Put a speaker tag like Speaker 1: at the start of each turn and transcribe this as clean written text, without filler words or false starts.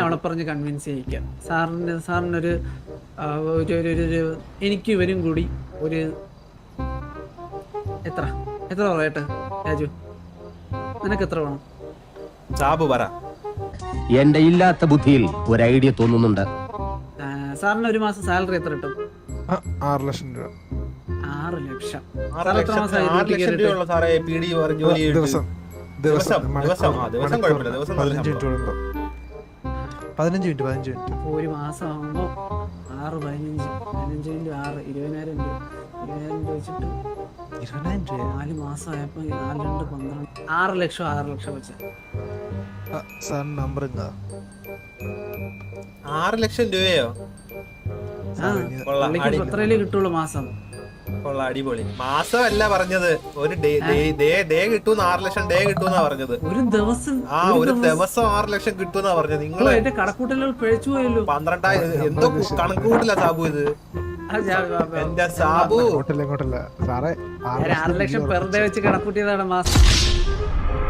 Speaker 1: തവണ പറഞ്ഞ് കൺവിൻസ് ചെയ്യിക്കാം. സാറിനൊരു എനിക്ക് ഇവരും കൂടി ഒരു എത്ര പറയട്ടെ രാജു, നിനക്ക് എത്ര വേണം?
Speaker 2: സാബു പറ.
Speaker 3: എന്റെ ഇല്ലാത്ത ബുദ്ധിയിൽ ഒരു ഐഡിയ തോന്നുന്നുണ്ട്.
Speaker 1: സാറിന് ഒരു മാസം സാലറി എത്ര കിട്ടും?
Speaker 4: 6 ലക്ഷം രൂപ.
Speaker 1: 6 ലക്ഷം.
Speaker 2: 6 ലക്ഷം രൂപയുള്ള സാറേ പിടി ജോലി
Speaker 4: ദിവസം 15 മിനിറ്റ്.
Speaker 1: ഒരു മാസം ആകുമ്പോ 6 15 15 × 6 20,000 രൂപ. 20,000 രൂപ വെച്ചിട്ട് 4 മാസം ആയപ്പോ 4 2 12 6 ലക്ഷം വെച്ച്.
Speaker 4: സാറിന് നമ്പർ എന്താ?
Speaker 2: 6 ലക്ഷം രൂപയോ?
Speaker 1: എത്രയിലേ കിട്ടുള്ളൂ മാസം?
Speaker 2: കൊള്ളാം, അടിപൊളി. മാസമല്ല പറഞ്ഞത്, ഒരു ഡേ കിട്ടൂന്ന്. 6 ലക്ഷം ഡേ കിട്ടൂന്നാ പറഞ്ഞത്.
Speaker 1: ഒരു ദിവസം
Speaker 2: ഒരു ദിവസം 6 ലക്ഷം കിട്ടൂന്നാ പറഞ്ഞത്. നിങ്ങൾ
Speaker 1: എന്റെ കണക്കൂട്ടലുകൾ പിഴച്ചു പോയല്ലോ.
Speaker 2: 12,000 എന്തോ കണക്ക് കൂട്ടില്ല സാബു. ഇത് എന്റെ സാബു
Speaker 4: ഇങ്ങോട്ടല്ല സാറേ.
Speaker 1: 6 ലക്ഷം പെർ ഡേ വെച്ച് കണക്കൂട്ടിയതാണ് മാസം.